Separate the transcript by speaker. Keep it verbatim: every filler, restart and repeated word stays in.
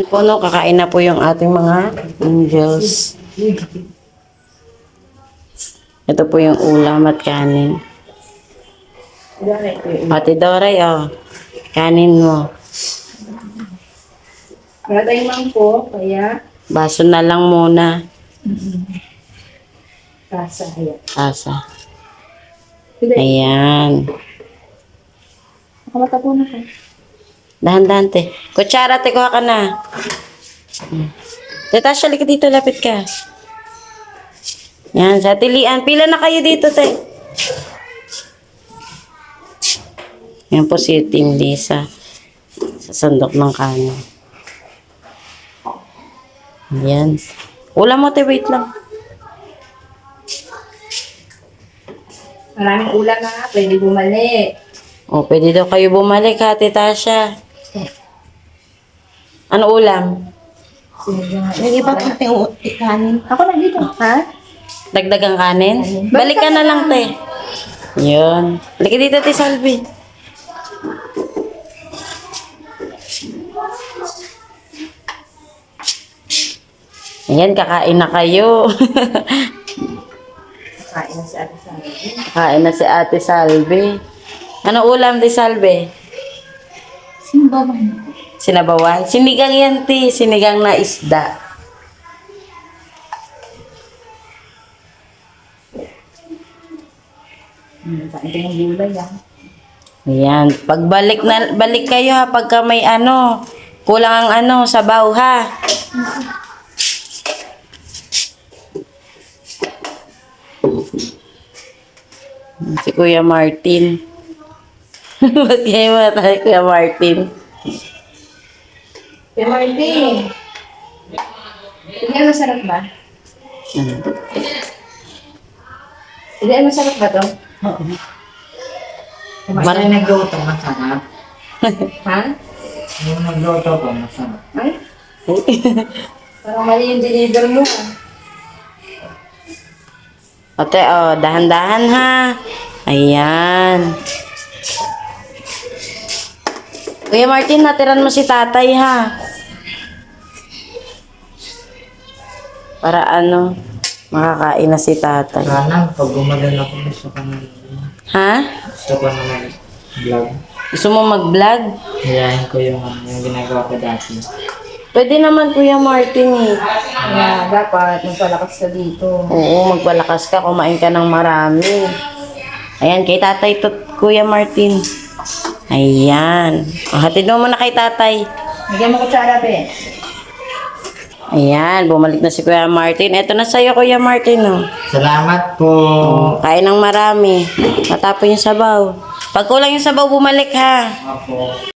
Speaker 1: po, no, kakain na po yung ating mga angels. Ito po yung ulam at kanin. Ate Doray, oh. Kanin mo.
Speaker 2: Wala tayong mangko, kaya
Speaker 1: Baso na lang muna.
Speaker 2: kasa. Ayan.
Speaker 1: Asa.
Speaker 2: Hindi.
Speaker 1: Ayan.
Speaker 2: Nakamata po na ka.
Speaker 1: Dahan-dahan, te. Kutsara, te, kuha ka na. Hmm. Te, Tasha, halika dito, lapit ka. Yan, sa tilian. Pila na kayo dito, te. Yan po si Team Lisa. Sa sandok ng kanin. Yan. Ulam mo, te, wait lang.
Speaker 2: Maraming ulam na, pwede bumalik.
Speaker 1: O, pwede daw kayo bumalik, ha, te, Tasha. Ano ulam?
Speaker 2: Yung iba kong ikanin. Ako na dito, ha?
Speaker 1: Dagdagang kanin?
Speaker 2: Kanin.
Speaker 1: Balik ka na lang, te. Yun. Halika dito, te, Salvi. Ayan, kakain na kayo.
Speaker 2: Kain na si Ate Sally.
Speaker 1: Kakain na si Ate Salvi. Ano ulam, te, Salvi?
Speaker 2: Sino ba man?
Speaker 1: Sinabawan? Sinigang yan, te. Sinigang na isda.
Speaker 2: Hmm, kain ko ng gulay, ha?
Speaker 1: Ayan. Pagbalik na, balik kayo, ha, pagka may ano, kulang ang ano, sabaw, ha. Si Kuya Martin. Ba't kayo matay, Kuya Martin?
Speaker 2: Kaya Marty. Hindi, masarap ba?
Speaker 1: Hmm.
Speaker 2: Hindi, masarap ba to?
Speaker 3: Oo.
Speaker 1: Mar-
Speaker 3: Yung nagluto, masarap.
Speaker 2: Ha?
Speaker 3: Yung nagluto ko, masarap.
Speaker 2: Ay? Parang mali yung deliver mo, ha?
Speaker 1: Ate, oh, dahan-dahan, ha. Ayan. Kuya Martin, natiran mo si tatay, ha. Para ano, makakain na si tatay.
Speaker 3: Sana, pag gumagal ako, gusto ko na,
Speaker 1: Ha?
Speaker 3: gusto ko na mag-vlog.
Speaker 1: Gusto mo mag-vlog?
Speaker 3: Hiyahin ko yung, ano, yung ginagawa ko dati.
Speaker 1: Pwede naman, Kuya Martin, eh.
Speaker 2: Kaya dapat magpalakas ka dito.
Speaker 1: Oo, magpalakas ka, kumain ka ng marami. Ayan, kay tatay to, Kuya Martin. Ayan. O, hatid mo muna kay tatay.
Speaker 2: Bigyan mo kutsara, be.
Speaker 1: Ayan, bumalik na si Kuya Martin. Eto na sa'yo, Kuya Martin, oh.
Speaker 3: Salamat po.
Speaker 1: Kain ng marami. Matapon yung sabaw. Pag kulang yung sabaw, bumalik, ha.
Speaker 3: Ako.